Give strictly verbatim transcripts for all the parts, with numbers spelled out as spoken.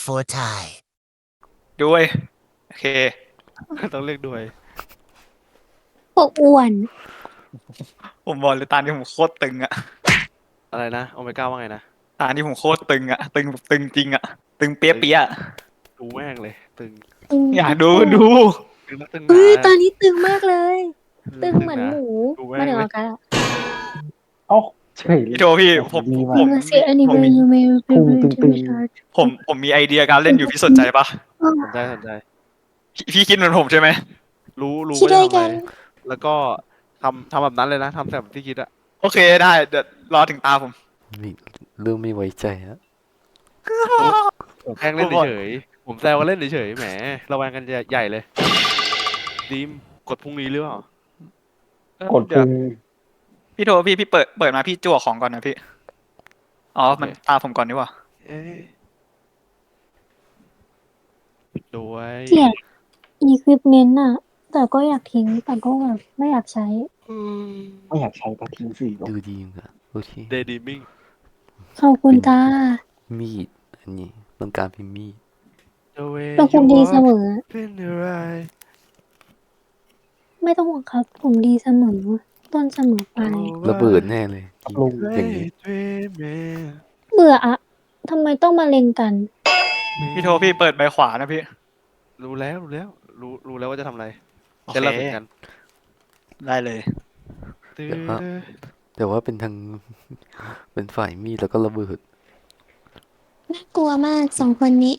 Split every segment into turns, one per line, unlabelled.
for Thai
ด้วยโอเค
ต้องเรียกด้วย
พวกอ้วน
ผมบอกเลยตาที่ผมโคตรตึงอะ
อะไรนะโอเมก้าว่าไงนะ
ตาที่ผมโคตรตึงอะตึงแบบตึงจริงอะตึงเปี้ยเปี้ย
ดูแม่งเลยตึง
ตึง
อยากดูดู
ตึงนักตึงห
เฮ้ย
นา
ตอนนี้ตึงมากเลย ตึงเหมือน
นะ
หมู
ดูแม่ง
มาถึง
เลย
อากาศอะ
เอ้าเฉย
พี่โทพี่ผม
ดี
ผม
มาก
ผม
เสียอันนี้
ผ
เว
มมี
ยูเมล
พุงตึง
ผมผมมีไอเดียการเล่นอยู่พี่สนใจปะ
สนใจสนใจ
พี่พี่คิดเหมือนผมใช่ไหม
รู้รู้
คิด
ว่า
ด้วย
จะทำ
กั
อะไร
น
แล้วก็ทำทำแบบนั้นเลยนะทำแบบที่คิดอะ
โอเคได้เดี๋ยวรอถึงตาผม
ไม่เริ่มไม่ไว้ใจแล้ว
ผมแกล้งเล่นเฉยๆผมแซวกันเล่นเฉยๆแหมระแวงกันใหญ่เลยดีมกดพรุ่งนี้หรือเปล่าก
ดพุง
พี่โทพี่พี่เปิดเปิดมาพี่จั่วของก่อนนะพี่อ๋อมันตาผมก่อนดีกว่า
เอ๊ะด้วย
เกลียดอีควิปเมนต์อะแต่ก็อยากทิ้งแต่ก็แบบไม่อยากใช้
ไม่อยากใช้ก็ทิ้งสิ
ดูดีอ่ะโอเค
เดดีมิ่ง
ขอบคุณจ้า
มีดอันนี้ต้องการเป็นมีด
เป็นคนดีเสมอ
เป็นอะไร
ไม่ต้องห่วงครับ ผมดีเสมอ ต้นเสมอไป
ระเบิดแน่เลย
ลุง
อย่างนี้
เบื่ออะทำไมต้องมาเล็งกัน
พี่โทพี่เปิดใบขวานะพี่
รู้แล้วรู้แล้ว รู้รู้แล้วว่าจะทำอะไร
โอเค
จะเล่าถึงกัน
ได้เลย
ตื้อ
แต่ว่าเป็นทาง เป็นฝ่ายมีดแล้วก็ระเบิด
น่ากลัวมากสองคนนี้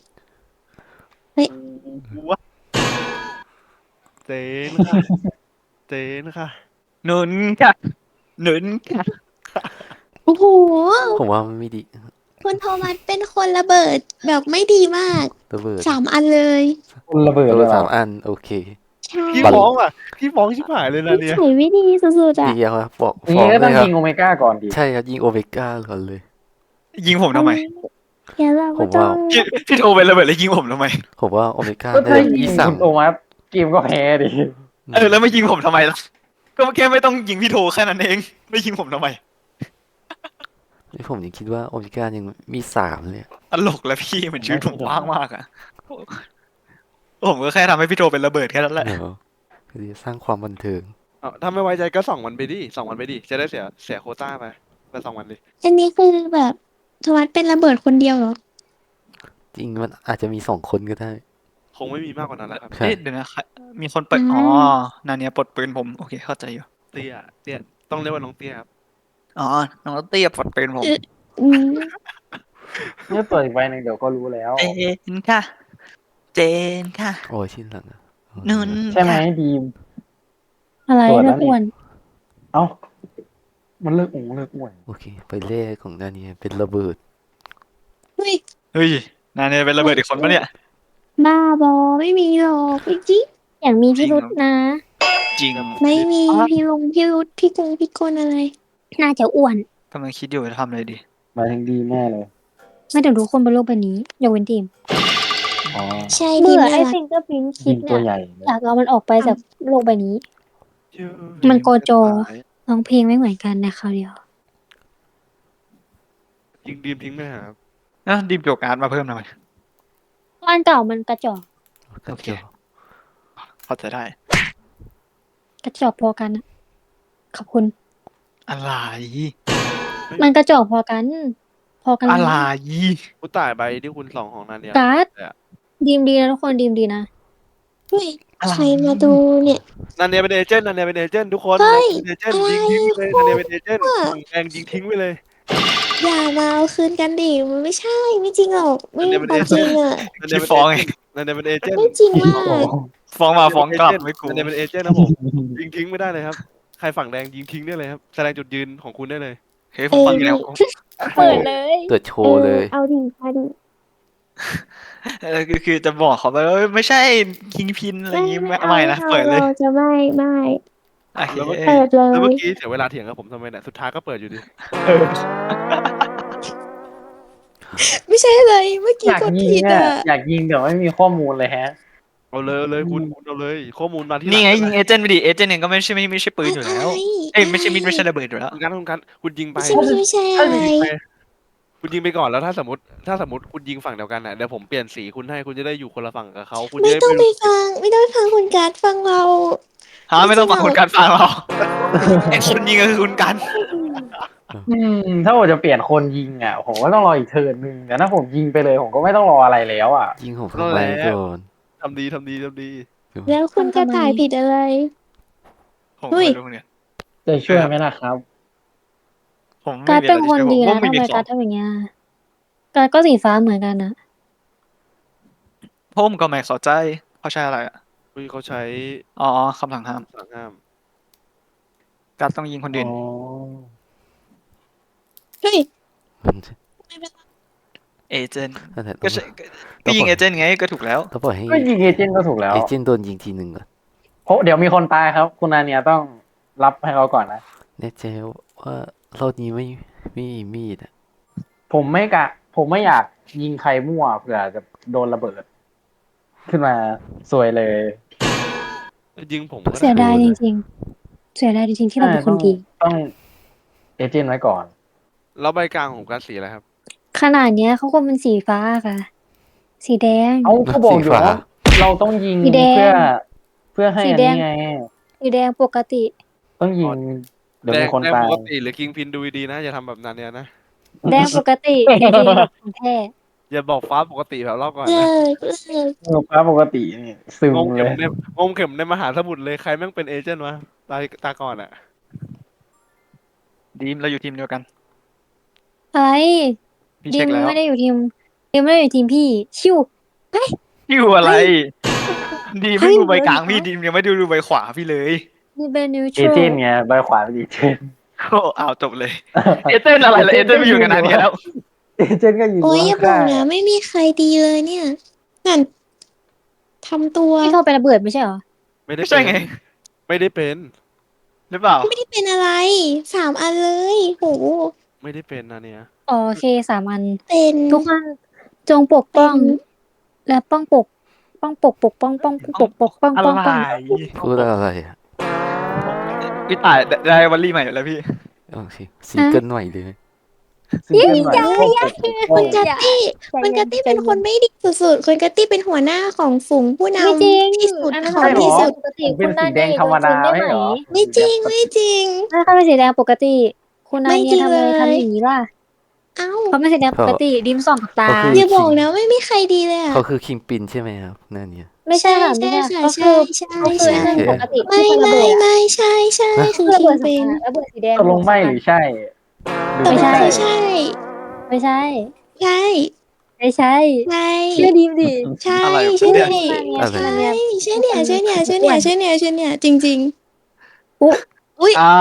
เจนค่ะเจนค่ะ
หนุนค่ะหนุนค่ะ
โอ้โห
ผมว่ามันไม่ดี
คุณโทมัสเป็นคนระเบิดแบบไม่ดีมาก
ระเบิด
สามอันเลย
คุณระเบิด
ระ
เล
เบิด
ยเหร
สา
อ
มอันโอเค
ใช่
พี่
บัล
ฟ้องอ่ะพี่ฟ้องชิบหายเลยนะ
นิ
เนี่ย
สัยไม่ดีสุดๆอ่ะ
ดีครับบอก
อย่าง
ฟ้อง
นี้ก็
เล
ต้อง
ยครับ
ยิงโอเมก้าก่อนดิ
ใช่ครับยิงโอเมก้าก่อนเลย
ยิงผมทำไม
อย่าเรา
ผม
ต้อ
ว่า
ง
พี่พี่โทเป็นระเบิดแล้วยิงผมทำไม
ผมว่าโอเมก้า
ก็
ได้
ถ้ายิ
ยี่
ง
สาม
คุณโอมัสเกมก็แพ้ดิ
เออแล้วไม่ยิงผมทำไมล่ะก็แค่ไม่ต้องยิงพี่โทแค่นั้นเองไม่ยิงผมทำไม
นี่ผมยังคิดว่าโอเมก้ายังมีสามเลย
ตลกแล้วพี่เหมือนชีวิตผมว่างมากอะผมก็แค่ทำให้พี่โทเป็นระเบิดแค่นั้นแหละ
เดี๋ยวคือจะสร้างความบันเทิง
เอาถ้าไม่ไว้ใจก็ส่องมันไปดิส่องมันไปดิจะได้เสียเสียโควต้าไปไปส่องมันดิ
อันนี้คือแบบโทมัสเป็นระเบิดคนเดียวเหรอ
จริงมันอาจจะมีสองคนก็ได้
คงไม่มีมากกว่านั้นแล้วครับ
ใช่
เอ๊ะเดี๋ยวนะใครมีคนเปิด
อืม
อ๋อนาเนียปลดปืนผมโอเคเข้าใจอยู่
เตี้ยเตี้ยต้องเรียกว่าน้องเตี้ยครับ
อ๋อน้องเตี้ยปลดปืนผม
อืม
เนี่ยเปิดอีกใบหนึ่งเดี๋ยวก็รู้แล้ว
เจนค่ะ เจนค่ะ
โอ้ยชิ้นหลังอะ
นุน
ใช่ไหม
ค่ะ
ดีม
อะไร
ตรวจแล้
นะ
วนี่
อ้วน
เอ้ามันเลิกองเลิกอ้วน
โอเค ไปแรกของด้านนี้เป็นระเบิด
เฮ้ย
เฮ้ยนาเนียเป็นระเบิดอีกคนปะเนี่ย
บ้าบอไม่มีหรอกพี่จิ๊กอย่างมีพิรุษนะ
จริง
ไม่มี
อ๋อ
พี่ลงพี่รุษพี่กงพี่กลอะไร น่าจะอ้วน
กำลังคิดอยู่จะทำอะไรดี
หมายถึงดีมแน่เลย
ไม่ถึงทุกคนบนโลกใบนี้ยกเว้นทีม
อ๋อ
ใช่เบื่อไอ้ฟิงเกอร์พินคิ
ยิ
ด
งตัว
เนี่ย
ใหญ่เลย
อยากเอามันออกไปจากโลกใบนี้ มันโกโจ ร้องเพลงไม่เหมือนกันนะคราวเดียว
ยิงดีมทิ้งไหมครับ
นะดิมโจกการ์ดมาเพิ่มหน่อย
อันเก่ามันกระจอก
โอเค
เข้าใจได้
กระจอกพอกันนะขอบคุณ
อะไร
มันกระจอกพอกัน พอกันเลย
อะไร
ผู้ตายใบที่คุณสองของนันเนี่ย
การ์ด
เนี่ย
ดีมดีนะทุกคนดีมดีนะเฮ้ย
อะไร
ใครมาดูเนี่ย
นันเนี่ยเป็นเอเจนต์นันเนี่ยเป็นเอเจนต์ทุกคน
เฮ้ย
นันเป็นเอเจนต์ยิงทิ้งไปเลยนันเนี่ยเป็นเอเจนต์ฝั่งแดงยิงทิ้งไปเลย
อย่ามาเอาคืนกันดิมันไม่ใช่ไม่จริงหรอกไม่มีความจริงอ่ะ
นันเนี่ย
พี่
เป็น
ฟ้อง
เอ
ไง
เจนต์นันเนี่ยเป็นเอเจนต์
ไม่จริงมาก
ฟ้องมาฟ้องกลับไม่กู
นันเนี่ยเป็นเอเจนต์นะผมยิงทิ้งไม่ได้เลยครับใครฝั่งแดงยิงทิ้งได้เลยครับแสดงจุดยืนของคุณได้เลย
เฮ้ยผมฟังอยู่แล้ว
เปิดเลย
เกิดโชว์เลย
เอาดิเอาดิ
เออคือคือจะบอกเขาไปว่าไม่ใช่คิงพินอะไรอย่างงี้ไม่ไม่นะ
อา
เปิดเลย
ราจะไม่ไม่
โอเค
แล้วก็
เปิดเล
แล้วเมื่
ย
อกี้เสียเวลาเถียงกับผมทำไมเนี่ยสุดท้ายก็เปิดอยู่ดี
เออ
ไม่ใช่เลยเมื่อกี้
อยาก
กด
ยิง
ผิด
อ่ะ
อ่ะ
อยากยิงแต่ไม่มีข้อมูลเลยแฮะ
เอาเลยเอาเลยคุณคุณเอาเลย ข้อมูลมาที่
นี่ไง
หลั
ยิงเอเจนต์ไปดิเอเจนต์เองก็ไม่ใช่ไม่ไม่ใช่ปืนอยู่แล้ว
อะไร
เอ้ยไม่ใช่มิดไม่ใช่ระเบิดอยู่แล้ว
คุณกันคุณกันคุณยิงไป
ไม่ใช่ไม่ใช่ไม่ใช่
ถ้า
อะไร
ยิงไปคุณยิงไปก่อนแล้วถ้าสมมติถ้าสมมติคุณยิงฝั่งเดียวกันอ่ะเดี๋ยวผมเปลี่ยนสีคุณให้คุณจะได้อยู่คนละฝั่งกับเขาคุณจะ
ไม่
ได้
ต้อง
ไม่
ไป
รู้
ฟัง ไม่ต้องไปฟังคุณการ์ดฟังเรา
ฮะไม่ต้องฟัง
ไม่จริงหรอ
คุณการฟังเราไอ้คนยิงก็คือคุณการ
อืมถ้าผมจะเปลี่ยนคนยิงอ่ะผมก็ต้องรออีกเทิร์นหนึ่งแต่ถ้าผมยิงไปเลยผมก็ไม่ต้องรออะไรแล้วอ่ะ
ยิงผมทำไมก่อน
ทำดีทำดีทำดี
แล้วคุณกระต่ายผิดอะไร
ผม
เฮ้ย
ไม่รู้เนี่ย
จะช่วยไหมล่ะครับ
ผมไม่
การ์ด
มี
เป็น
อะไร
คน
จะช่วย
ดี
ผม
นะ
ว่าไม่
ทำ
มี
ไม
ขอ
การ์ดทำอย่างเงี้ยการ์ดก็สีฟ้าเหมือนกันนะ
ผมก็ไม่เข้าใจเขาใช้อะไรอ่ะ
เฮ้ยเขาใช้
อ๋อคำสั่งห้าม
สั่งห้าม
การต้องยิงคน
อ๋
อื่น
อ
เฮ้ย
มัน
ไม่เป็นไร
เอเจนต์
นั่นแหละ
ก็
ต้อง
ใช่ก็ก็ยิงเอเจนต์ไงก็ถูกแล้ว
ต้องปล่อยให้
ก็ยิงเอเจนต์ก็ถูกแล้ว
เอเจนต์โดนยิงทีหนึ่งก่อน
เพราะเดี๋ยวมีคนตายครับ คุณนาเนียต้องรับให้เขาก่อนนะ
แน่ใจว่ารอบนี้ไม่ไม่มีมีดอะ
ผมไม่กะ ผมไม่อยากยิงใครมั่วเผื่อจะโดนระเบิด ขึ้นมาสวยเลย
ยิงผมก็
เสีย
ได้
ดายจริงๆ เสียดายจริงๆที่เราเป็นคนดี
ต้องเอเจนต์ไว้ก่อน
แล้วใบกลางของการสีอะไรครับ
ขนาดเนี้ยเขาก็เป็นสีฟ้าค่ะ สีแดง
เอาเขาบอกอยู่ว่าเราต้องยิง
สีแดง
เพื่อ เพื่อให้
สี
อัน
แด
นี้
ง
ไง
สีแดงปกติ
ต้องยิง เดี๋ยว
แด
มี
ง
คน
แดง
ตา
ป
ย
กติหรือคิงพินดูดีๆนะอย่าทำแบบนั้นเนี่ยนะ
แดงปกติจริงๆแบบของแท้
อย่าบอกฟ้าปกติแบบรอบก่อน
เลิ
นะ
กเลิก
เออฟ้าปกตินี่ซึม
งง
เล
เข็ม
ย
ในงงเข็มในมหาสมุทรเลยใครแม่งเป็นเอเจนต์วะตาตาก่อนอ่ะ
ดีมเราอยู่ทีมเดียวกัน
อะไร
พี่
ดิ
เช็
ม
คแล้ว
ไม่ได้อยู่ทีมดิมไม่ได้อยู่ทีมพี่ ชิว
อยู่อะไร ดีม
เฮ้
ไม่
ย
ดูใบกลาง
เดี๋ยว
พี่ดีมยังไม่ดูดูใบขวาพี่เลย
นี่เป็นนิวท
เอ
รั
เจ
ล
นต์ไงใบขวาเป็นเอเจนต์
โอ้อ้าวจบเลย เอเจนต์อะไรล่ะเอเจนต์ไม่อยู่กันนานนี้แล้ว
เอเจนต์ก็ยิง
โอ้ยอย่าบอก
ข้
นะ
ง
ไม่มีใครดีเลยเนี่ยนั่นทำตัว
พี่โทรไประเบิดไม่ใช่เหรอ
ไม่ได้
ไม่ใช่ไง
เป็นไม่ได้เป็น
หรือเปล่า
ไม่ได้เป็นอะไร สามอันเลยโห
ไม่ได้เป็นนะเนี่ย
อ๋อโอเคสามอัน
เป็น
ทุกคนจงปกป้อง
เป็น
และป้องปก ป้องปกปกป้องป้องปกปกป้อง
อะไร
ป้องป้อง
พูดอะไรอะ
พี่ตายได้วันลี่ใหม่แล้วพี่
โอเคซิงเกิลใหม่เลย
ซิงเกิลใหม่ก็ปกป้อง
คุณกัตตี้
ใจ
คุณ
เย็
กัตตี้เป็นคนไม่ดีสุดๆคุณกัตตี้เป็นหัวหน้าของฝูงผู้
ไม่จริง
นำที่สุด
อันนั้น
ของที่สุด
ปกติ
ผมเป็
คุ
น
ณ
สี
นา
แด
เนี
ง
ย
ธรรมดา
ได้
ไม่
ไหม
เหรอ
ไม่จริงไม่จริง
ถ้าเขาเป็นสีแดงปกติ คุณนา
ไม่
เนี
จริ
ย
ง
ทำไม
เลย
ทำอย่างนี้ล่ะ
เอ้า
เขาเป็นสีแดงปกติดิมส่องกับตา
ก็คือ
อย่าบอกนะไม่มีใครดีเลยอ่ะ
เขาคือคิงปินใช่ไหมครับนั่นเนี่ย
ไม่ใช่ค่ะ
ใช่
ไม่ใช่
ใช่
ก็
ใช่
คือ
ใช่
เขาคือ
ใช่
เรื่องปกติ
ไม่
ที่คนระ
ไม่
เบิดอะ
ไม่ใช่ใช่คือ
ระ
คิ
เบิ
ง
ด
เป็น
ระเบิดสีแดง
ตกลงไม่หรือใช่หรือ
ไม่
ไม่
ใช่
ใช่
ไม่ใช่
ใช่
ไม่ใช่
ใช่
เชื่อดิมดิ
ใช่
อะไรวะ
ใช่
เนี่ย
คุณนาเนีย
อะไร
คุณนาเนีย
ใช่เนี่ยใช่เนี่ยใช่เนี่ยใช่เนี่ยใช่เนี่ยจริง
อุ๊
ๆอุ้ย
อ้าว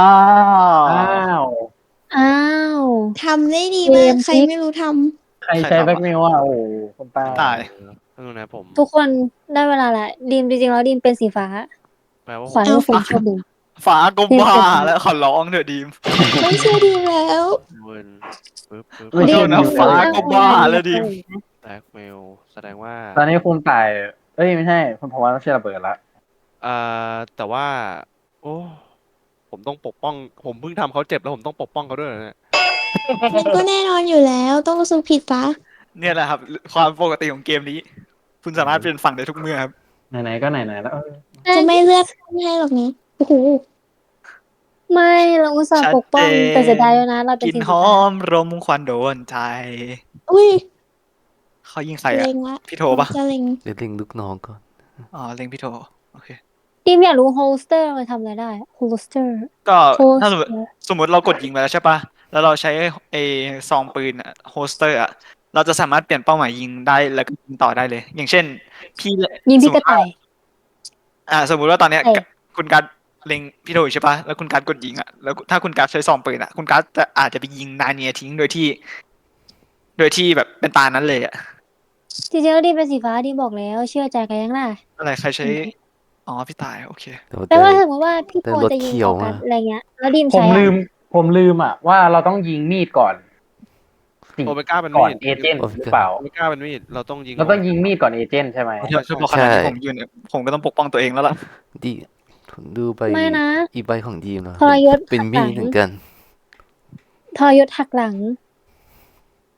อ้าว
อ้าว
ทำได้ดี
เก
มาก
ม
ใคร
พลิก
ไม่รู้ท
ใครใช้แบ็กเมลอ่ะโอ้โหคนตาย
ตาย
เออนะผม
ทุกคนได้เวลาละดิมจริงๆแล้วดิมเป็นสีฟ้า
แปลว่า
ขอให้ผมโชคดี
ฝากลมบ้าแล้วขอร้องเถอะดีม
ำไม่เชื่อดีแล้ว
เวิร์นปึ๊บปึ๊บ
ไม่
ขอ
ใช่
โทษนะฟ้าก็บ้าแล้วดิม
แบล็กเมลแสดงว่า
ตอนนี้คุณตายเอ้ยไม่ใช่คุณพวัตต้องเชื่อระเบิดละ
อ่าแต่ว่า โอ้ผมต้องปกป้อง ผมเพิ่งทำเขาเจ็บแล้วผมต้องปกป้องเขาด้วยเหรอเนี่ย
มันก็แน่นอนอยู่แล้วต้องสู้ผิดปะ
เนี่ยแหละครับ ความปกติของเกมนี้ คุณสามารถเปลี่ยนฝั่งได้ทุกเมื่อครับ
ไหนๆก็ไหนๆแล้วเออ
จะไม่เลือกไม่ให้หรอกนะโอ้โห
ไม่เราอุตส่าห์ปกป้อง
ชัดเจน
แต่เสียดายแล้วนะ เราเป็น
กิน
สี
ห
ฟ้า
อมรมควันโดนใจ
อุ้ย
เขายิงใครอะ
เล็งละ
พี่โทปะ
จะเล็ง
เดี๋ยวเล็งลูกน้องก่อน
อ๋อเล็งพี่โทโอเค
ดิมอยากรู้โฮสเตอร์มันทำอะไรได้โฮสเตอร์
ก็
โฮส
ถ้าสมม
เต
ติ
อร์
สมมติเรากดยิงไปแล้วใช่ปะแล้วเราใช้ไอซองปืนอะโฮสเตอร์อะเราจะสามารถเปลี่ยนเป้าหมายยิงได้แล้วก็ยิงต่อได้เลย อย่างเช่น พี่
ยิงพี่
สม
ก
มุ
ระ
ติว่า
ต่าย
อ่า สมมุติว่าตอนเนี้ย
เอ้ย
คุณการดเล็งพี่โทอยู่ใช่ปะแล้วคุณการดกดยิงอะแล้วถ้าคุณการดใช้ซองปืนอะคุณการดจะอาจจะไปยิงนาเนียทิ้งโดยที่ โดยที่แบบเป็นตานั้นเลยอะ
จริงๆแล้วดิมเป็นสีฟ้าดิมบอกแล้ว เชื่อใจกันยังล่ะ
อะไรใครใช้อ๋อพี่ตายโอเค
แต่ว่า
แปล
ได้
ว่าสมมติว่าพี่
แต่
โท
รถ
จะยิง
เขียว
ต่อกัน
อะ
อะไรเงี้ย แล้วดิม
ผม
ใช้อะ
ลืม ผมลืมอ่ะว่าเราต้องยิงมีดก่อนสิ
โอเมก้าเป็น
ก่อน
มีด
เอเจนต์หรือเปล่า
โอเมก้าเป็นมีดเราต้องยิง
เราต้องยิงมีดก่อนเอเจนต์ใช่ไหม
เดี๋ยวช่วยบอกขนาดนี้ผมยืนเนี่ยผมก็ต้องปกป้องตัวเองแล้วล่ะ
ดีผมดูไป
ไม่นะ
อีกใบของดีมแล้ว
ทรยศ
เป็น
หักห
มี
ลั
ด
ง
เหมือนกัน
ทรยศหักหลัง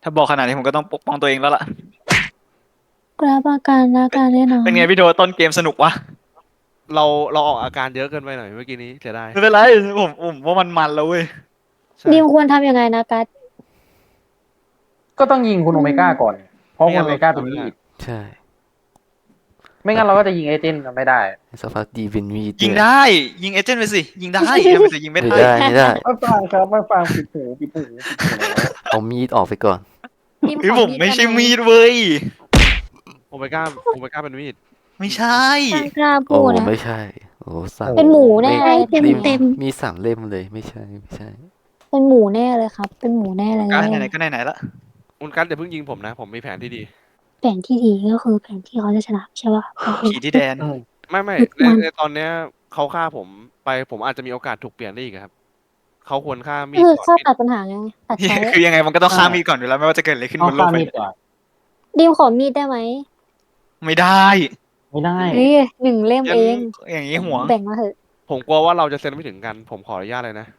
ถ้าบอกขนาดนี้ผมก็ต้องปกป้องตัวเองแล้วล่ะ
กราบอาการและการแน่นอน
เป็นไงพี่โดต้นเกมสนุกวะ
เราเราออกอาการเยอะเกินไปหน่อยเมื่อกี้นี้เสียดาย
ไม่เป็นไรผมผมว่ามันมันแล้วเว้ย
ใช่
ดิมควรทำยังไงนะกัส
ก็ต้องยิงคุณโอเมก้าก่อน เพราะ
ไม่
คุ
งั้
ณ
น
โอเมก้าเป็นมีด
ใช่
ไม่งั้นเราก็จะยิงเอเจนต์ไม่ได้
สักพักดีเป็นมีด
ยิง
ด้วย
ได้ ยิงเอเจนต์ไปสิ ยิงได้ทำไมจะยิงไม่
ไม่
ได้
ได้ไม่ได้
ไม่ฟังครับไม่ฟังปิดหูปิดหูปิดหู
เอามีดออกไปก่อน
ดิม
เฮ้ย
ขอ
ผมไม่ใช่มีดเว้ย
โอเมก้าโอเมก้าเป็นมีด
ไม่ใช่
กล้ากล้า
โอ้
พูดนะ
ไม่ใช่ โอ้สัตว์
เป็นหมูแน่
ไม่
เต็ม
ริม
เต็ม
มีสามเล่มเลยไม่ใช่ไม่ใช่
เป็นหมูแน่เลยครับ เป็นหมูแน่เลย
ก็ไหนๆก็ไหนๆละ
คุณกัสอย่าเพิ่งยิงผมนะ ผมมีแผนที่ดี
แผนที่ดีก็คือแผนที่เขาจะชนะใช่ป่ะ
ขี่ที่แดน
อืม
ไม่ไม่
ทุก
ใน
วัน
ในตอนเนี้ยเขาฆ่าผมไปผมอาจจะมีโอกาสถูกเปลี่ยนได้อีกอะครับเขาควรฆ่ามีด
คือ
ก่อน
เข้า
มีด
ตัดปัญหาไงตัดใช้
คือยังไงมันก็ต้องฆ่ามีดก่อนอยู่แล้วไม่ว่าจะเกิดอะไรขึ้น
เอา
บนโล
ฆ่าก
ใบ
มีด
นี้
ก่อน
ดิมขอมีดได้ไหม
ไม่ได้
ไม่ได้
นี่หนึ่งเล่มเอง
อย่างนี้หัวง
แบ่งมาเถอะ
ผมกลัวว่าเราจะเซ็นไม่ถึงกัน ผมขออนุญาตเลยนะ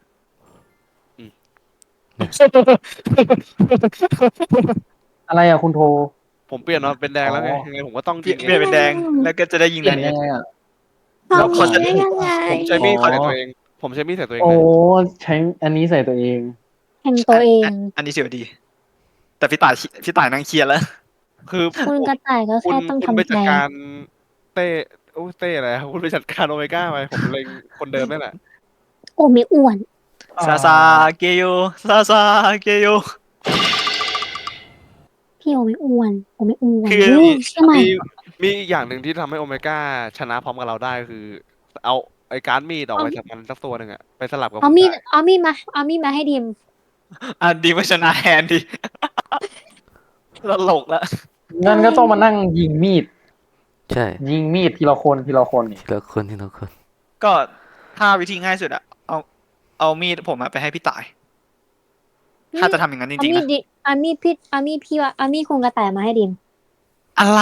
อะไรอะคุณโทร
ผมเปลี่ยนมาเป็นแดงแล้วไง
อ๋อ
ยังไงผมก็ต้อง
เปลี่
ยิ
ยน
ง
เปลี่ยนเป็นแดง แล้วก็จะได้ยิง
เปลี่
นั
ยน
น
ยั
นี้
งไงอะ
แล้วเขาจะ
ได้ยังไง
ผมใช้มีด
อ๋อ
ใส่ตัวเอง ผมใช้มีดใส่ตัวเอง
โอ้
เลย
ใช้อันนี้ใส่ตัวเอง
แทงตัวเอง
อันนี้เสียวดี แต่พี่ต่ายพี่ต่ายนั่งเคลียร์แล้ว
คือ
คุณกระต่ายก็
คุณ
แค่ต้อง
คุณไป
ทำใจ
จัดการเต้โอ้เต้อะไรครับคุณไปจัดการโอเมก้าไปผมเล็งคนเดิมนี่แหละ
โอ้ไม่อ้วน
ซาซาเกโยซาซาเกโย
พี่โอไม่อ้วนโอไม่อ้วน
คือ
เฮ้ยใช่ไหม
มีมีอีกอย่างหนึ่งที่ทำให้โอเมก้าชนะพร้อมกับเราได้คือ เอาไอ้การ์ดมีดออกไปจากมันสักตัวหนึ่งอะไปสลับกับ
เอา
คุณ
มีด
ได้
เอามีดมาเอามีดมาให้ดิม
อ่ะดีมาชนะแฮนดิตลกละ
งั้นก็ต้องมานั่งยิงมีด
ใช่
ยิงมีดทีละคนทีละคนนี่
ทีละคนทีละคน
ก็ถ้าวิธีง่ายสุดอะเอาเอามีดผมอะไปให้พี่ต่าย ถ้าจะทำอย่างนั้นจ
เอา
ริงๆ
มีด
นะ
ดิเอามีดพี่เอามีดพี่ว่าเอามีดคุณกระต่ายมาให้ดิม
อะไร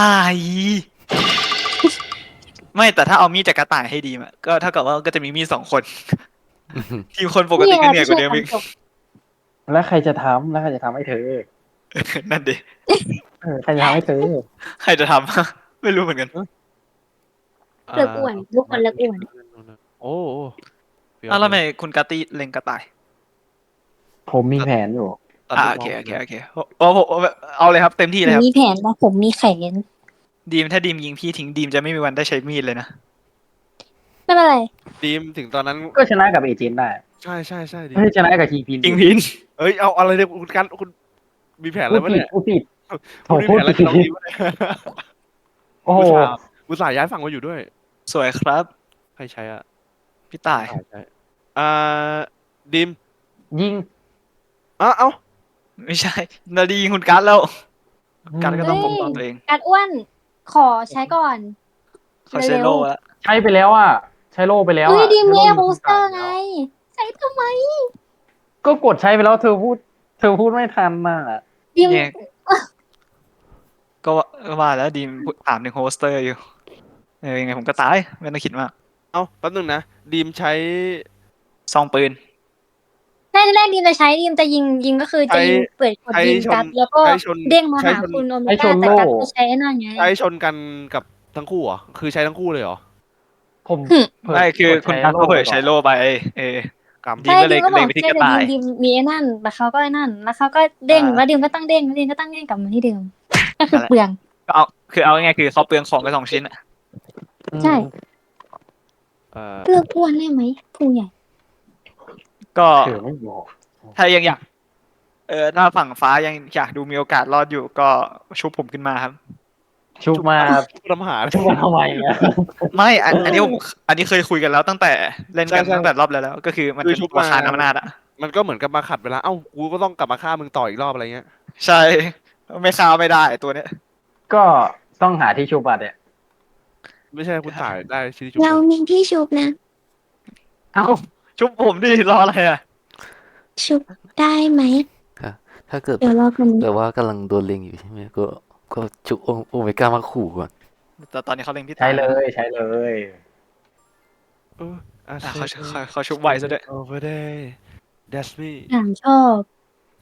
ไม่แต่ถ้าเอามีดจากกระต่ายให้ดีมอะก็เท่ากับว่าก็จะมีมีดสองคน ทีมคนปกติก็เหนื่อยกว่าเดิมอีก
แล้วใครจะทำแล้วใครจะทำให้เธอ
นั่นดิ
เออใครจะทำให้เธอ
ใครจะทำ ไม่รู้เหมือนกัน
เลิกอ้วนทุกคนเลิกอ้วน
โอ้โห
อ้าวแล้วทำไมคุณกาตี้เล็งกระต่าย
ผมมีแผนอยู่
ตัด
อ่า
ลูก
โอเค
น้ง
โอเคโอเคโอ้โหเอาเลยครับเต็มที่เลยครับ
มีแผนว่าผมมีแขน
ดีมถ้าดีมยิงพี่ทิ้งดีมจะไม่มีวันได้ใช้มีดเลยนะ
ไม่เป็นไร
ทีมถึงตอนนั้น
ก็ชนะกับเอเจนต์ได้
ใช่ใช่ใช่ดี
ไม่ใช่ชนะกับทีพิน
จริงพิน
เอ้ยเอาอะไรเนี่ยคุณกันคุณมีแผนอะไร
พูด
วะ
ผิด
เนี่ย
พูดผิด โถ
คุณมี
พู
แผ
ด
นอะไร
ผิด
กับน้องดีวะเนี่ย
โอ้โห
อุตส่าห์อุตส่าห์ย้ายฝั่งมาอยู่ด้วย
สวยครับ
ใครใช้อ่ะ
พี่ต่าย
ใช่ใช่อ่าดิม
ยิง
อ้าเอ้า
ไม่ใช่นาดียิงคุณการ์ดแล้วการ์ดก็ต้องปกป้องตัวเอง
กัดอ้วน ขอใช้ก่อน
เขาใช้โล่แล้ว
ใช้ไปแล้วอ่ะ ใช้โล่ไปแล้ว
เฮ้ย
อ่ะ
ดิม
ใช้
เมี
โล่
ย
ยู่
โปสเตอร์
ที่
ไง
แล้ว
ใช้ทำไม
ก็กดใช้ไปแล้วเธอพูด เธอพูดไม่ทันน่ะ
ดิม
เนี่ยก็ว่าก็ว่าแล้วดีมถามถึงโฮสเตอร์อยู่เออยังไงผมก็ตายไม่ต้องคิดมาก
เอ้าแป๊บนึงนะดิมใช้
ซองปืน
แรกแรกดิมจะใช้ดิมจะยิงยิงก็คือจะยิงเปิดกด
ใช้
ยิง
ชน
กัดแล้วก็
ใช้ชน
เด้งมา
ใช้
หา
ชน
คุณโอเม
ใช้ช
ก้าน แต่
โล่
กัดจะใช้ไอ้นั่นไง
ใช้ชนกันกับทั้งคู่เหรอคือใช้ทั้งคู่เลยเหรอ
ผม
หึ
เปิด
ไม่คือคุณ
กด
การ์ด
ใช้
ก็เผย
โล่
ใช้โล่ไปเออ
กรรม
ดิม
ใช่
ก็เลย
ดิมก็บ
เล
อย ก
ไปที่
ใช่
กระ
แต่
ต่าย
ดิมดิมมีไอ้นั่นแล้วเขาก็ไอ้นั่น แล้วเขาก็เด้ง
อ่า
แล้วดิมก็ตั้งเด้งแล้วดิมก็ตั้งเด้งกลับมาที่เดิมก็คือเปลือง
ก็เอาคือเอาง่ายๆคือเขาเปลืองของไปสองชิ้นอะ
ใช่
เอ่อ
เลือกอ้วนได้ไหมผู้ใหญ่
ก็
เธอไม่บอก
ถ้ายังอยาก เออถ้าฝั่งฟ้ายังอยากดูมีโอกาสรอดอยู่ก็ชุบผมขึ้นมาครับ
ชุบมา
ผู้ทำหาร
ชุบมาทำไมอ่ะ
ไม่อันอันนี้ผมอันนี้เคยคุยกันแล้วตั้งแต่เล่นกัน
ใช่ใช่
ตั้งแต่รอบแล้วแล้ว ก็คือมันเป็น
คือชุบ
ตัว
มา
คานอำนาจอะ
มันก็เหมือนกับมาขัดเวลาเอ้ากูก็ต้องกลับมาฆ่ามึงต่ออีกรอบอะไรเงี้ย
ใช่ไม่คาวไม่ได้ตัวเนี้ย
ก็ต้องหาที่ชุบอ่ะเนี่ย
ไม่ใช่คุณถ่ายได้ชื่อชุบ
เรามีที่ชุบนะ
เอ้าชุบผมดิรออะไรอะ
ชุบได้ไหม
ถ้าเกิด
เดี๋ยวรอกัน
แต่ว่ากำลังโดนเล็งอยู่ใช่ไหมก็ก็จุกโอโอเมก้ามาขู่ก่อน
แต่ตอนนี้เขาเล็งพี่
ใช้
ตาย
เลยใช้เลย
เอออ่ะ
อ่ะเขาเขาเขาชุบไวซะด้วย
over there that's me
ถามชอบ
ช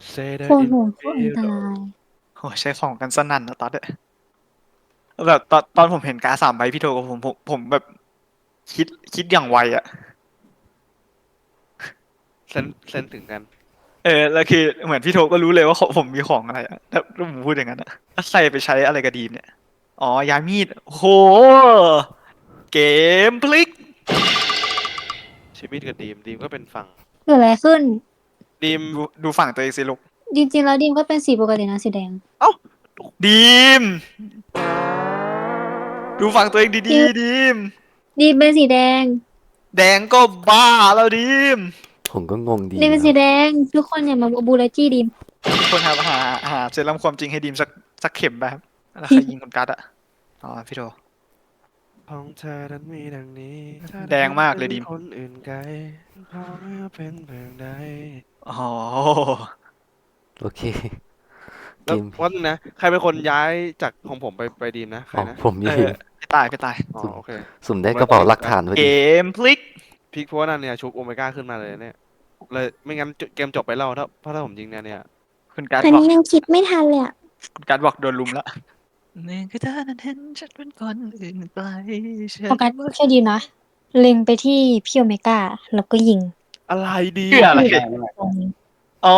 Say
โค
that
ตร
it
โหด
will
โคตรอันตราย
โหใช้ของกันสนั่นนะตอนเนี้ยแบบตอนตอนผมเห็นการ์ดสามใบพี่โทกับผมผมผมแบบคิดคิดอย่างไวอะ
เซนเซนถึงกัน
เออแล้วคือเหมือนพี่โทก็รู้เลยว่าของผมมีของอะไรอะถ้าถ้าผมพูดอย่างนั้นอะถ้าใส่ไปใช้อะไรกับดีมเนี่ยอ๋อยามีดโอ้โหเกมพลิก
ชีวิตกับดีมดีมก็เป็นฝั่ง
เกิดอะไรขึ้น
ดีม
ดูดูฝั่งตัวเองสิลูก
จริงๆแล้วดีมก็เป็นสีปกตินะสีแดง
ดีม ดูฝั่งตัวเองดีๆดีม
ดีมเป็นสีแดง
แดงก็บ้าแล้วดีม
ผมก็งงดี
ดีมเป็น
นะ
สีแดง ทุกคนอย่ามาบูลเลจี้ดีม
ทุกคนครับหาหาเซรั่มความจริงให้ดีมสักสักเข็มไปครับแล้วใครยิงคนกัดอะอ๋อพี่โท
ของเธอนั้นมีดังนี้
แดงมากเลยดิม
คนอื่นไกลเพราะว่าเป็นเพียงใด
อ๋อ
โอเค เก
แล้ว
ม
วันนึงนะ ใครเป็นคนย้ายจากของผมไปไปดีมนะใคร
อ๋อ
นะ
ผม
เอ
นี่
อไปตายไปตาย
อ๋อโอเค
สุ่มได้กระเป๋าหลักฐานพอ
เก
ดี
มพลิก
พิกเพราะว่านั่นเนี่ยชุบโอเมก้าขึ้นมาเลยเนี่ยเลยไม่งั้นเกมจบไปแล้วถ้าเพราะถ้าผมยิงเนี่ยเนี่ย
คุณกัด
ตอน
บอก
นี้ยังคิดไม่ทันเลยอะ
คุณกัดบอกโดนลุมแล้วนี่คือเธอนั้นเห็นฉันเป็นคนอื่นไกลฉัน
โฟกัสแค่ดีมนะ เล็งไปที่พี่โอเมก้า แล้วก็ยิง
อะไรดี
เพื่ออะไร
ไม่ได้ไม่ได้
ตรงนี้
อ๋อ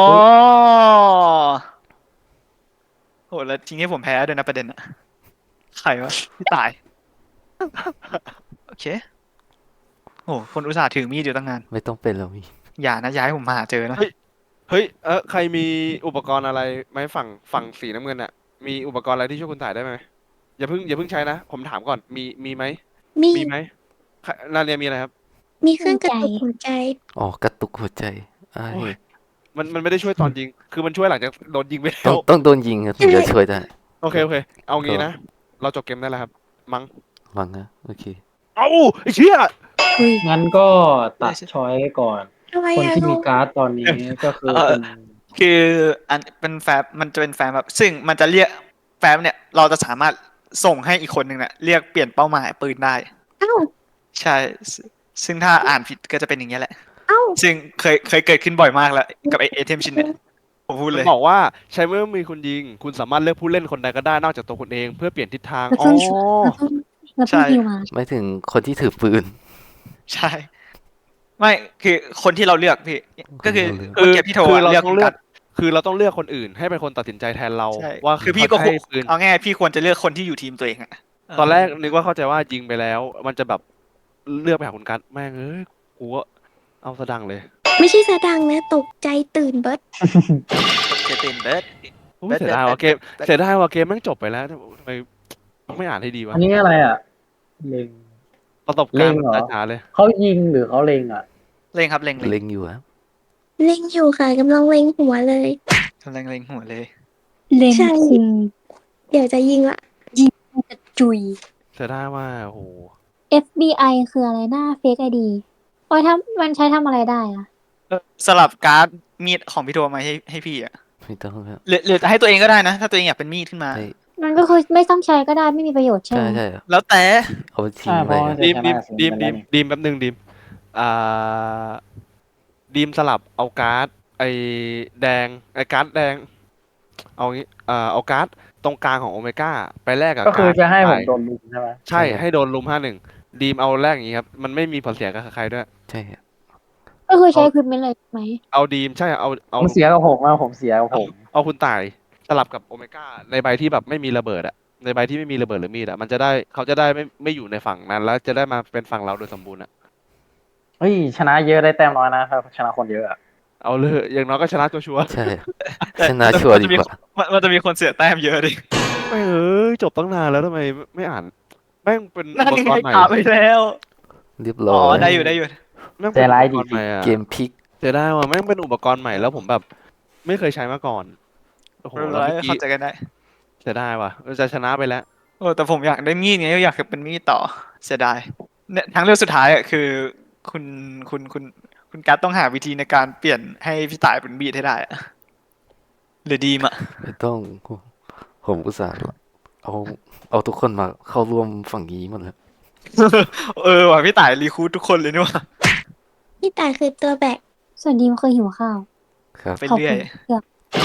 โหแล้วทิ้งให้ผมแพ้ด้วยนะประเด็นอะใครวะพี่ตาย โอเคโอ้คนอุตส่าห์ถือมีดอยู่ตั้งนาน
ไม่ต้องเป็นแล้วมี
อย่านะย้ายผมมาหาเจอนะ
เฮ้ยเออใครมีอุปกรณ์อะไรไหมฝั่งฝั่งสีน้ำเงินอะมีอุปกรณ์อะไรที่ช่วยคุณถ่ายได้ไหมอย่าเพิ่งอย่าเพิ่งใช้นะผมถามก่อนมีมีไหม
มี
มีไหมใครนาเรียมีอะไรครับ
มีเครื่องกระตุกหัวใจ
อ๋อกระตุกหัวใจอ้าย
โอ้ย มันมันไม่ได้ช่วยตอนยิง คือมันช่วยหลังจากโดนยิงไปแล้
ต้อง
ว
ต้องโดนยิงครับถึงจะช่วยได้
โอเคโอเค เอางี้นะ เราจบเกมได้แล้วครับ มั้ง
วังนะโอเค
เอ้าไอ้เชี่ย
งั้นก็ตัดช้อยก่อน
ทำไม
คน
อะ
ที่มี
ลูก
การ์ดตอนนี้ก็คือ
เออ
เป็น
คืออันเป็นแฟ้มมันจะเป็นแฟ้มแบบซึ่งมันจะเรียกแฟ้มเนี่ย เราจะสามารถส่งให้อีกคนหนึ่งเนี่ยเรียกเปลี่ยนเป้าหมายปืนได้
เอ้า
ใช่ซซึ่งถ้าอ่านผิดก็จะเป็นอย่างเงี้ยแหละ
เอ้า
ซึ่งเคยเคยเกิดขึ้นบ่อยมากแล้ว กับไอเทมชิ้นเนี่ยผมพูด
มั
เล
น
ย
บอกว่าใช้เมื่อมีคุณยิง คุณสามารถเลือกผู้เล่นคนใดก็ได้นอกจากตัวคุณเองเพื่อเปลี่ยนทิศทาง
แล้ว
อ๋
ต้
อ
องแล้วต้องแล้ว
ใช่
ต้องฮิวมา
ไม่ถึงคนที่ถือปืน
ใช่ ไม่คือคนที่เราเลือกพี่ ก็คือ
คนที่เราเลือก
เมื่อกี้พี่โทร
คือ
อะ
เรา
เลือก
ต้อง
คุณ
เลือ
กั
ก
ด
คือเราต้องเลือกคนอื่น ให้เป็นคนตัดสินใจแทนเรา
ใช่
ว่า
คือพี่ก็
เขาจะให้ปืน
เอาง่ายๆพี่ควรจะเลือกคนที่อยู่ทีมตัวเองอะ
ตอนแรกนึกว่าเข้าใจว่ายิงไปแล้ว มันจะแบบเลือกไปหาคุณกัดแม่งเอ้ยกูก็เอาสะดังเลย
ไม่ใช่สะดังนะตกใจตื่นเบิร์ด
เจตินเบิร์ด
อุ๊ย
เบ็ด
เสียดายว่ะ
เบ็ด
เกม
เบ็ด
เสียดายว่ะเกมแม่งจบไปแล้วทำไมไม่อ่านให้ดีวะ
อันนี้อะไรอ่ะ เล็ง
ประสบ
เล็
การ
ง
ณ์
เหรอ
ช้าๆเลย
เขายิงหรือเขาเล็งอ่ะ
เล็งครับเล็งเล็ง
เล็งอยู่ครับ
เล็งอยู่ค่ะกำลังเล็งหัวเลย
กำลังเล็งหัวเลย
เล็ง
ใช่
คุม
เดี๋ยวจะยิงละ
กระจุย
เสียดายว่าโอ้โห
เอฟ บี ไอ คืออะไรหน้าเฟกไอดีโอ้ยทำมันใช้ทำอะไรได้อะ
สลับการ์ดมีดของพี่โทมาให้ให้พี่อะ
ไม่ต้องครับ
หรือหรือจะให้ตัวเองก็ได้นะ ถ้าตัวเองอยากเป็นมีดขึ้นมา
ให้
มันก็คือไม่ต้องใช้ก็ได้ไม่มีประโยชน์ใช่
ใช่
ไหม
ใช่ครับ
แล้วแต่
เอาไปทิ้ง
อ่าเพ
ไว้
ราะ
ครับ
ดีมดีม
จะชนะ
ดีม
สิ
ดีมดีมแป๊บนึงดีมอ่าดีมสลับเอาการ์ดไอแดงไอการ์ดแดง เอางี้เอ่อเอาการ์ดตรงกลางของโอเมก้าไปแลกกับ
ก็คือ
การ์ด
จะให้ผม
ไป
โดนลุมใช่ไหม
ใช่ให้โดนลุมห้าหนึ่งดีมเอาแรกอย่างนี้ครับ มันไม่มีผลเสียกับใครด้วย
ใช่ครับ
ก็คือใช้ควิปเมนต์เลยใช่ไหม
เอาดีมใช่เอาเอา
ผมเสียกับผมอะผมเสียกับ
เอา
ผม
เอาคุณตายสลับกับโอเมก้าในใบที่แบบไม่มีระเบิดอะในใบที่ไม่มีระเบิดหรือมีดอะมันจะได้เขาจะได้ไม่ไม่อยู่ในฝั่งนั้น แล้วจะได้มาเป็นฝั่งเราโดยสมบูรณ์อะ
เฮ้ยชนะเยอะได้แต้มน้อยนะครับชนะคนเยอะอะ
เอาเลยอย่างน้อยก็ชนะตัวชัวร์
ใช่ครับชนะชัวร์ดีกว่า
มันมันจะมีคนเสียแต้มเยอะดิ
ไม่เอ้ยจบตั้งนานแล้วทำไมไม่อ่านแม่งเป็นอุ
นั่น
ป
ยัง
ก
ไง
รณ์ใหม่
ถามไปแล้ว
เรียบ
อ๋
ร้
อ
อย
ได้อยู่ได้อยู่
แม่งเป็นอุปกรณ์ใหม่อะ
เกมพลิก
เสียดายว่ะแม่งเป็นอุปกรณ์ใหม่แล้วผมแบบ ไม่เคยใช้มาก่อนโอ้โห
เรียบ
แล้ว
ร้อย
เมื่อกี้
เข้าใจกันได้
เสียดายว่ะจะชนะไปแล้ว
โอ้แต่ผมอยากได้มีดไงอยากเป็นมีดต่อเสียดายเนี่ยทางเลือกสุดท้ายอ่ะคือ คุณคุณคุณคุณการ์ดต้องหาวิธีในการเปลี่ยนให้พี่ตายเป็นมีดให้ได้อะหรือดีมอ่ะ
ไม่ต้องผมอุตส่าห์เอาเอาทุกคนมาเข้าร่วมฝั่งนี้หมดแล้ว
เออว่ะพี่ตายรีคูดทุกคนเลยนี่หว่า
พี่ตายคือตัวแบก
ส่วนดีมเคยหิวข้าว
ครับ
ไป
ขอบ
เรื่
คุ
อย
ณเกือบ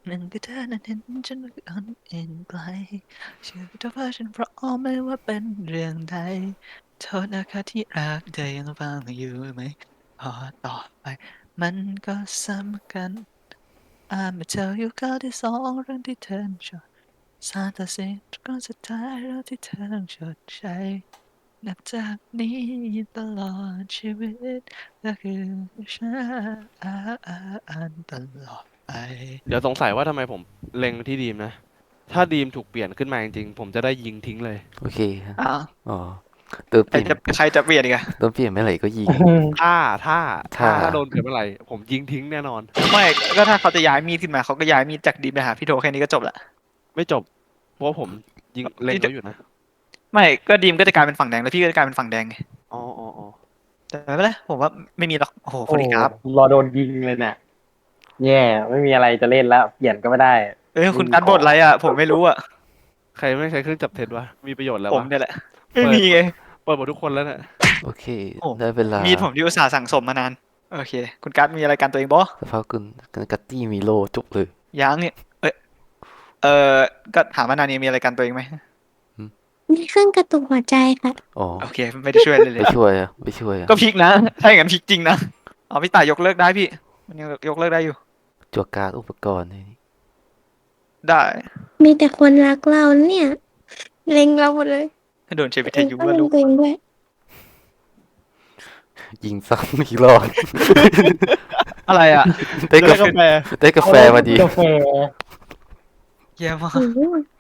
นั่นก็เธอนั้นเห็นฉันอ่อนเอ็นไกลเชื่อเธอว่าฉันเพราะไม่ว่าเป็นเรื่องใดโทษนะคะที่รักเธอยังฟังอยู่ไหมพอต่อไปมันก็สำคัญ I'ma tell you ข้อที่สองเรื่องที่เธอชอบสาตัดสินก็สุดท้ายเรื่องที่เธอต้องชดใช้นับจากนี้ตลอดชีวิตก็คือฉันตลอดไป
เดี๋ยวสงสัยว่าทำไมผมเล็งที่ดีมนะ ถ้าดีมถูกเปลี่ยนขึ้นมาจริงๆ ผมจะได้ยิงทิ้งเลย
โอเคครับ
อ้าว
อ๋อตัวเป
ใคร
ลี่ยน
จะใครจะเปลี่ยนอีกอะ
ตัวเปลี่ยนเมื่อไหร่ก็ยิง
ถ้าถ้าถ้า
ถ้า
ถ้าโดนเปลี่ยนเมื่อไหร่ผมยิงทิ้งแน่นอน
ไม่ก็ถ้าเขาจะย้ายมีดขึ้นมาเขาก็ย้ายมีดจากดีมไปหาพี่โทแค่นี้ก็จบละ
ไม่จบ เพราะว่าผมยิงเล็งเขาอยู่นะ
ไม่ก็ดีมก็จะกลายเป็นฝั่งแดงแล้วพี่ก็จะกลายเป็นฝั่งแดงไง
อ๋ออ๋ออ๋อ
แต่ไม่เป็นไรผมว่าไม่มีหรอกโอ้โห
โอ้
คนนี้ครับ
รอโดนยิงเลยเนี่ยแย่ไม่มีอะไรจะเล่นแล้วเปลี่ยนก็ไม่ได้
เอ้ยคุณการบทอะไรอ่ะผมไม่รู้อ่ะ
ใครไม่ใช้เครื่องจับเท็จวะ มีประโยชน์แล้ว
ผม
วะ
เนี่ยแหละไม่มีไง
เปิดหมดทุกคนแล้วเนี่ย
โอเค
โอ้
ได้เวลา
มีดผมที่อุตส่าห์สั่งสมมานานโอเค คุณการดมีอะไรกันตัวเองบ่
สภาพคุณกัตตี้มีโลจบเลย
ยังเนี่ยเอ้ยเออก็ถามว่านานนี้มีอะไรกันตัวเองไหม
มีเครื่องกระตุกหัวใจค่ะ
อ๋อ
โอเคไม่ได้ช่วยเลยเล
ไป
ย
ช่วยอะไปช่วยอะ
ก็พลิกนะถ้าอย่างนั้นพลิกจริงนะเอาพี่ต่ายยกเลิกได้พี่มันยังยกเลิกได้อยู่
จัวการดอุปกรณ์นี่
ได้
มีแต่คนรักเราเนี่ยเล็งเราหมดเลย
โดนเชฟวิท
เอง
ยุ
ก็
ว่า
เล็
ลู
ง
ก
ตัวเองด้วย
ยิงซ้ำอีกรอบ
อะไรอ่ะ
ได้กาแฟ
กาแฟ
ได้กาแฟมาดี
กาแฟ
เยี่ยมมาก
โอ้โห